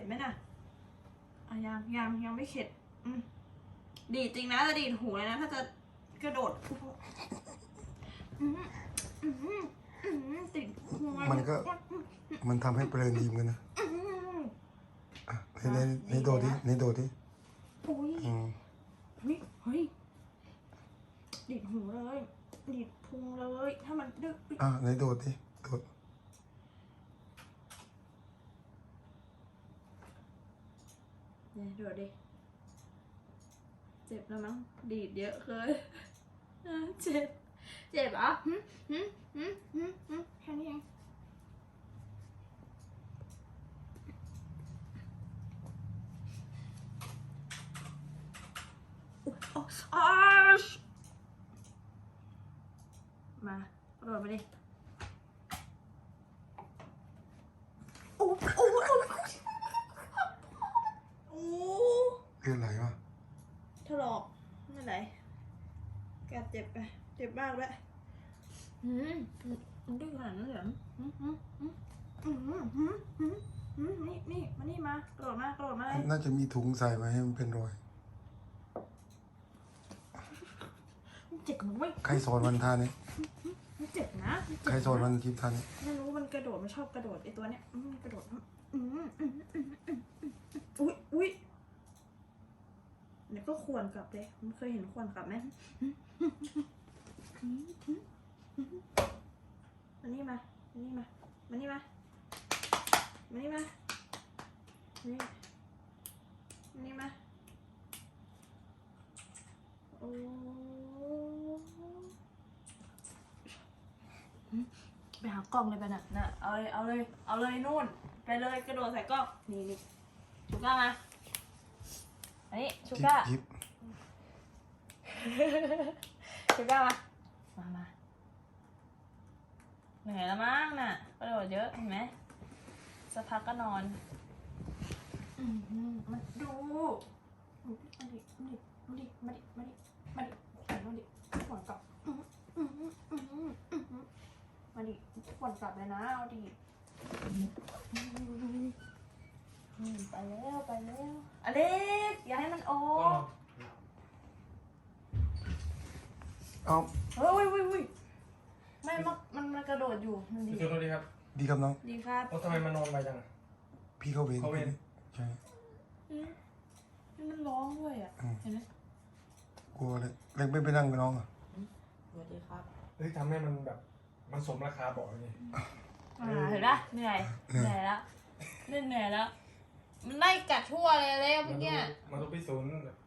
ไหมน่ะยังไม่เข็ดดีดจริงนะจะดีดหูเลยนะถ้าจะกระโดดติดหัวมันทำให้เพลินดีเหมือนกันนะในโดดดิโอ้ยเฮ้ยดีดหูเลยดีดพุงเลยถ้ามันดึกในโดดดิโดดเนี่ยโดดดิเจ็บแล้วมั้งดีดเยอะเกินเจ็บเหรอแค่นี้เองมากระโดดมาดิโอ้เรื่องอะไรวะถลอกไม่ไหนแกเจ็บไปเจ็บมากเลยมันดื้อขนาดนั้นเหรอนี่มานี่มากระโดดมากระโดดมาเลยน่าจะมีถุงใส่มาให้มันเป็นรอยเจ็บนะเว้ยใครสอนวันท่านี้เจ็บนะใครสอนวันคลิปท่านี้ไม่รู้มันกระโดดมันชอบกระโดดไอตัวเนี้ยกระโดดอุ้ยเดี๋ยวก็ควรกลับเลยมันเคยเห็นควรกลับไหมมานี่มานี่มาโอ้ไปหากล้องเลยไปน่ะเอาเลยนู่นไปเลยกระโดดใส่กล้องนี่ชูก้ามาอันนี้ชูก้าชูก้ามาเหนื่อยแล้วมั้งน่ะกระโดดเยอะเห็นไหมสักพักก็นอนมาดูมาดิขวนกลับมาดิขวนกลับเลยนะเอาดิไปแล้วอเล็กอย่าให้มันออกเอาเฮ้ยไม่มันกระโดดอยู่มันดีสวัสดีครับดีครับน้องดีครับทำไมมันนอนไปจังพี่เข้าเวรใช่นี่มันร้องด้วยอ่ะเห็นไหมกลัวเลยเล็กไม่ไปนั่งไปน้องอ่ะสวัสดีครับทำให้มันแบบมันสมราคาบอกเลยเห็นปะเหนื่อยแล้วมันไล่กัดทั่วเลยเมื่อกี้มันต้องไปศูนย์